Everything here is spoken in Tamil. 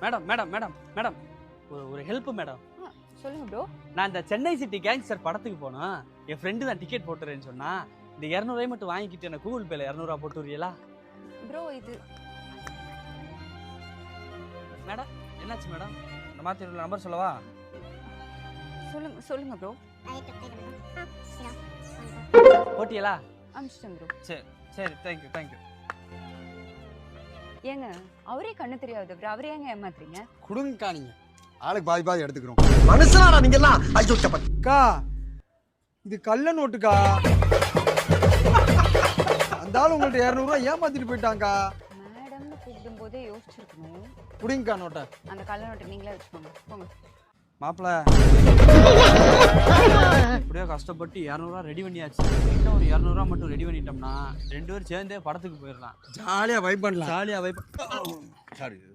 மேடம் மேடம் மேடம் மேடம் ஒரு ஹெல்ப் மேடம். சொல்லுங்க ப்ரோ. நான் இந்த சென்னை சிட்டி கேங்ஸ்டர் படத்துக்கு போனோம். என் ஃப்ரெண்டு தான் டிக்கெட் போட்டுறேன்னு சொன்னா. இந்த 200 மட்டும் வாங்கிக்கிட்டு எனக்கு கூகுள் பேல 200 போட்டு விடுறீங்களா? ப்ரோ இது மேடம் என்னாச்சு மேடம்? இந்த மாதிரி நம்பர் சொல்லவா? சொல்லுங்க ப்ரோ. போட்டியலா? அமிச்சிட்டேன் ப்ரோ. சரி தேங்க்யூ. ஏங்க அவரே கண்ணு தெரியாது ப்ரோ, அவரே ஏங்க ஏமாத்துறீங்க? குடுங்கக்கா, நீங்க ஆளுக்கு பாதி எடுத்துக்கிறோம். மனுஷனாடா நீங்க எல்லாம். ஐயோ அக்கா, இது கள்ள நோட்டுக்கா. அந்த ஆள் உங்கள்ட்ட 200 ரூபாய் ஏமாத்திட்டு போயிட்டாங்கக்கா. மேடம்னு கூப்பிடும் போதே யோசிச்சிருக்கணும். குடிங்கக்கா நோட்டை. அந்த கள்ள நோட்டை நீங்களே வச்சுக்கோங்க. போங்க. மாப்பிள்ள எப்படியோ கஷ்டப்பட்டு 200 ரெடி பண்ணியாச்சு. இன்னும் ஒரு 200 மட்டும் ரெடி பண்ணிட்டோம்னா 2 பேரும் சேர்ந்தே படத்துக்கு போயிடலாம். ஜாலியா வைப் பண்ணலாம். ஜாலியா வைப். சாரி